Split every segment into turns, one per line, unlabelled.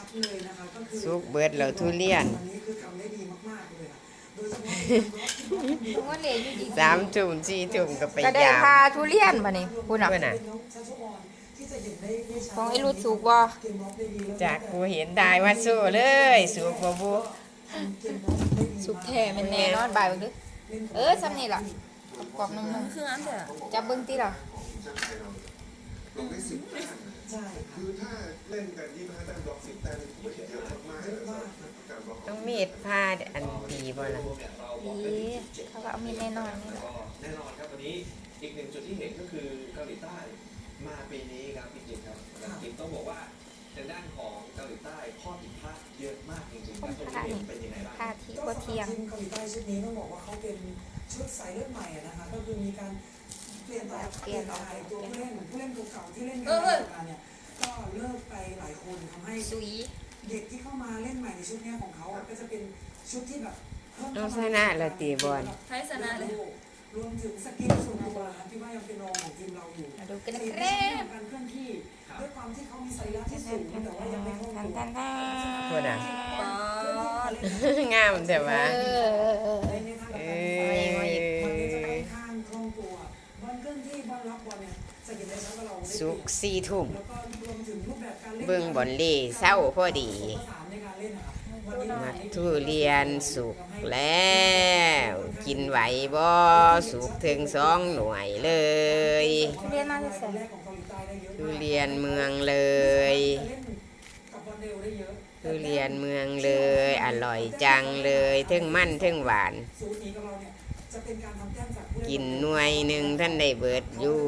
เลยนะคะก็คือ
สุกเบิดแล้วทุเรียน
วันนี้คือทำได้ดีมากๆเลยอะโดยเฉพาะที่
ว่าเหลยอยู่ดี
3 ทุ่ม4 ทุ่มก็ไป
ก็ได้
ยาม
พาทุเรียนมานี่คุณอ่ะ
เพื่อนน่ะ
ของไอ้รุดสุกบ่
จากกูเห็นได้ว่าสู้เลยสุกบ่บุ
สุกแท้แมันแน่นอนบ่ายเบิ่งเด้อซ้ำนี่ล่ะกรอบๆนุ่มๆคืออันเด้อจับเบิ่งติล่ะ
ลงได้10 แต้ม
ใช่ค่ะ
คือถ้าเล่นกัน25 แต้มบล็อก10 แต้มถือว่าเยอะมากๆเลยนะครับการบล็อก
ต้องมีดผ้าอันดีบ่ล่ะ
ดีเขาก็เอามีดแน่นอนนี่แหละ
แน่นอนครับวันนี้อีกหนึ่งจุดที่เห็นก็คือเกาหลีใต้มาปีนี้ครับพี่จิตครับจริงต้องบอกว่าทางด้านของเกาหลีใต้ข้อผิดพลาดเยอะมากจริงๆครับตรงนี้เป็นยังไงบ้าง
ค่าที่บ่เที่ยง
ทีมเกาหลีใต้ชุดนี้ต้องบอกว่าเขาเป็นชุดสายเลือดใหม่อะนะคะก็คือมีการเปลี่ยนตัวผู้เล่นเก่าๆที่เล่นกันมาเนี่ยก็เลิกไปหลายคนทำให้
สุย
เด็กที่เข้ามาเล่นใหม่ในชุดนี้ของเขาอะก็จะเป็นชุดที่แบบเพิ่ม
ต้องชนะแล้วตีบอล
ไทยชนะเลย
รวมถึงสกิลส่วนตัวนะครับที่ว่ายังเป็นรองของทีมเราอยู่
มาดูกันนะ
สี
ค
เรื่
รั
อบ งการเคลื่อนที่ด้วยความที่เขามีสรีระที่สูงแต่ว่ายังไม่คล่อง
ตัน
ตัว
ตันตัน
พูดอ่ะ
ปอด
งามแต่ว่า
ในทางการมันก็จะค่อนข้างคล่องตัวบอลเคลื่อนที่บอลรับบอลเนี่ยจะเห็นได้ชัดว่าเราได้
สุก4 ทุ่ม
แล้วก็รวมถึงรูปแบบการเล่น
เบิ่งบอลเล่เศร้าพอดี
ผสานในการเล่นนะครับวันนี้
มักทุเรียนสุกแล้ว กินไหวบ่สุกถึง2 หน่วยเลย
ทุเรียนมาจะเสร็จ
แรกของเกาหลีใต้ได้เยอะ
ทุ
มาก
เรียนเมืองเลย
กับบอลเร็วได้เยอะ
ทุเรียนเมืองเลย อร่อยจังเลยทั้งมันทั้งหวาน
สูตรนี้กับเราเนี่ยจะเป็นการทำแต้มจากผู้เล่
กินหน่วยหนึ่งท่านได้เบิดอยู่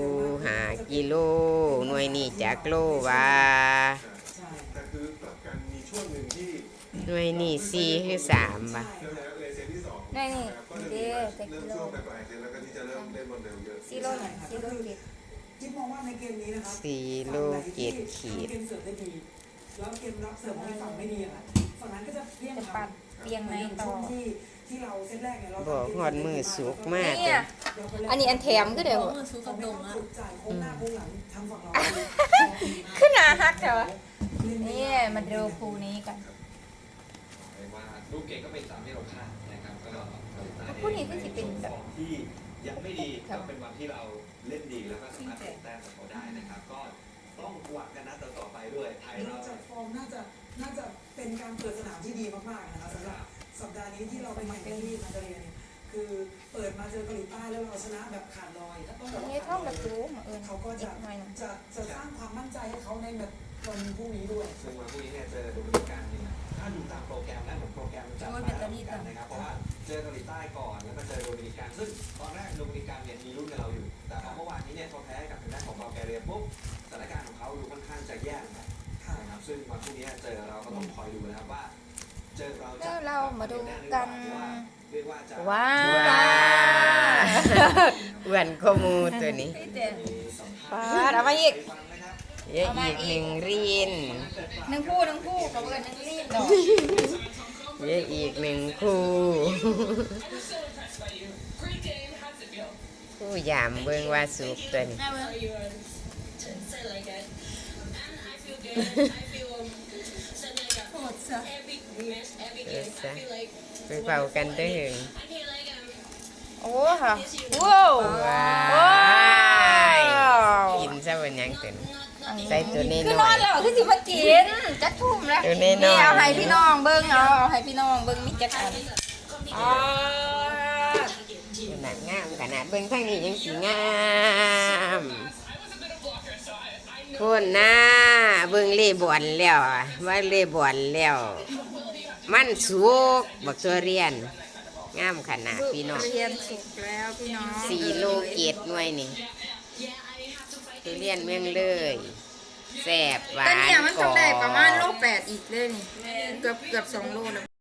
5 กิโลหน่วยนี้จักโลว่า
ใช่
แต่คือกลับกันมีช่วงหนึ่งที่
หน่วยนี้4คือ3บ่ะ
แล้วเลยเซตที่2
นี่นี่
ก็จะ
เด้
มี
เต็ก
เริ่ม
โล
ช่วงปลายๆเซตแล้วก็ที่จะเริ่มเล่นบอลเร็วเยอะ
ซีโร่หน่อยซีโร่เจ็ด
จิ๊บมองว่าในเกมนี้นะครับ
4 โล7 ขีด
เกมเสิร์ฟได้ดีแล้วเกมรับเสิร์ฟของอีกฝั่งไม่ดีอะค่ะฝั่งนั้นก็จะเพี้ยง
จะปัดเรียงในต่อ
ที่เราเซตแรกเนี่ยเรา
บอกฮอดมือสุกมาก
เนี่ยอันนี้อันแถมก็เดี๋ยว
ซื้อกระดงอะจ่ายโค้งหน้าโค้งหลังทางฝั่งเรา
ขึ้นหนาฮักเถอะนี่มาดูคูนี้กัน
เรียกว่าลูกเก่งก็เป็นตามที่เราคาดนะครับก็เกาหลีใต้
คู่นี้ก็จะเป็นแบบ
ฟอร์มที่ยังไม่ดีก็เป็นวันที่เราเล่นดีแล้วก็สามารถเก็บแต้มกับเขาได้นะครับ ก็ต้องหวังกันนัดต่อๆไปด้วยไทย
น
เรา
อกจากฟอร์มน่าจะเป็นการเปิดสนามที่ดีมากๆนะคะสำหรับสัปดาห์นี้ที่เราไปแข่งกันที่มาเลเซียเนี่ยคือเปิดมาเจอเกาหลีใต้แล้วเราชนะแบบขาดลอยถ้าต้อง
อันนี้ท่องแบบรู้มา
เขาก็
อี
จะ
กหน่อยหนึง
จะสร้างความมั่นใจให้เขาในแบบวันพรุ่งนี้ด้วย
ซึ่งวันพรุ่งนี้เนี่ยเจอโดมินิกันเนี่ยถ้าดูตามโปรแกรมนะเหมือนโปรแกรมจะมาแล้วเหมือนกันนะครับเพราะว่าเจอเกาหลีใต้ก่อนแล้วมาเจอโดมินิกันซึ่งตอนแรกโดมินิกันเนี่ยมีรุ่นกับเราอยู่ แต่พอเมื่อวานนี้เนี่ยเขาแพ้กับทางด้านของบัลแกเรียปุ๊บสถานการณ์ของเขาดูค่อนข้างจะแย่นะครับนะครับซึ่งวันพรุ่งนี้เจอเราก็ต้องคอยดูนะครับว่าเจอเราจะ
แล้วเรามาดูกัน
เรียกว่าจะ
ว้า
ว้าอ้วนขมูตัวนี้
ปาดเอามาอีก
ฟังนะครับ
เยอะอีก1 รีน
หนึ่งคู่เขาเกินหนึ่งรีบดอก
เยอะอีก1 คู่คู่ยามเบิ่งว่าสุกตัวนี้
แม่เว้ยโหดซะ
ซะไปเป่ากันเด้อ
โอ้ค่ะว้าว
ว้า
ว้า
ยว กินซะวันยังเต็มใส่ตัวนี้
คือ
ห
น
น่
อ
อน ย
แล้วคือสิมากินจัดทุ่มแล้ว
ตัวน้อยๆ
นี่เอาให้พี่น้องเบิ้งเอาให้พี่น้องเบิ้งมิจักอันอ๋อ
ขนาดงามขนาดเบิ่งทางนี้ยังสีงาม คนหน้าเบิ่งเล่บอลแล้วอะว่าเล่บอลแล้ว มันสุกบักตัวเรียน งามขนาดพี่น้อง
เรียนสุกแล้วพี่น้อง
4 โลเกตหน่วยนี่ตัวเรียนเมืองเลยแซ่บหวา
แต่
น
เนี่ยมัน
กร
ต้
อ
องได้ประมาณโล
บ
8อีกเลยนี่เกือบ2 โลแล้ว